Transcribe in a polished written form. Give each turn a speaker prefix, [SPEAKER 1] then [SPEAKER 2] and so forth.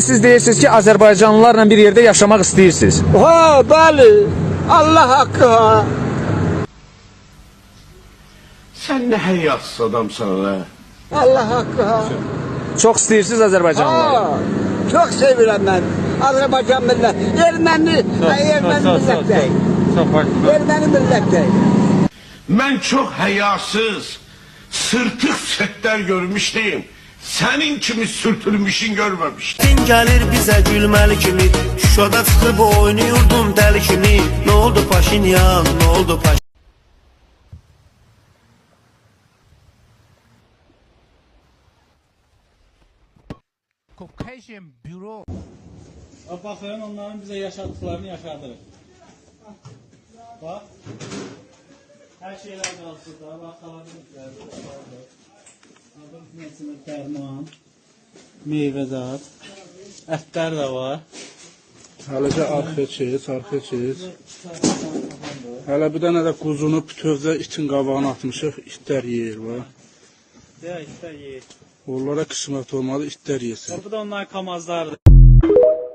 [SPEAKER 1] Siz deyirsiniz ki Azərbaycanlılarla bir yerdə yaşamaq istəyirsiniz.
[SPEAKER 2] Ha, bəli. Allah haqqı ha.
[SPEAKER 3] Sen ne hayasız adamsın ha.
[SPEAKER 2] Allah haqqı ha.
[SPEAKER 1] Çox istəyirsiniz Azərbaycanlıları.
[SPEAKER 2] Ha. Çok sevirəm mən. Azərbaycan millət. Erməni millət deyil. Erməni millət deyil.
[SPEAKER 3] Ben çok hayasız, sırtık setler görmüştüm. Senin kimi sürtülmüşün görmemiştim.
[SPEAKER 4] Din gəlir bizə gülməli kimi, Şuşada çıxıb oynayırdım dəli kimi. Nə oldu Paşinyan, nə oldu Paşinyan?
[SPEAKER 5] Caucasian Bureau.
[SPEAKER 6] Bakın onların bize yaşattıklarını yaşadırır. Bak. Her şeyler kalsın da. Bak alabilmişler. Alabilmişler. Dərman. Meyvəzat. Ətlər də var.
[SPEAKER 7] Hələca arxaya çeyiz. Hələ bir dənə də quzunu bütövdə itin qabağına atmışıq, itlər yeyir var.
[SPEAKER 6] Ya itlər yeyir.
[SPEAKER 7] Onlara qismət olmadı, itlər yesin.
[SPEAKER 6] Bu da onların kamazlardır.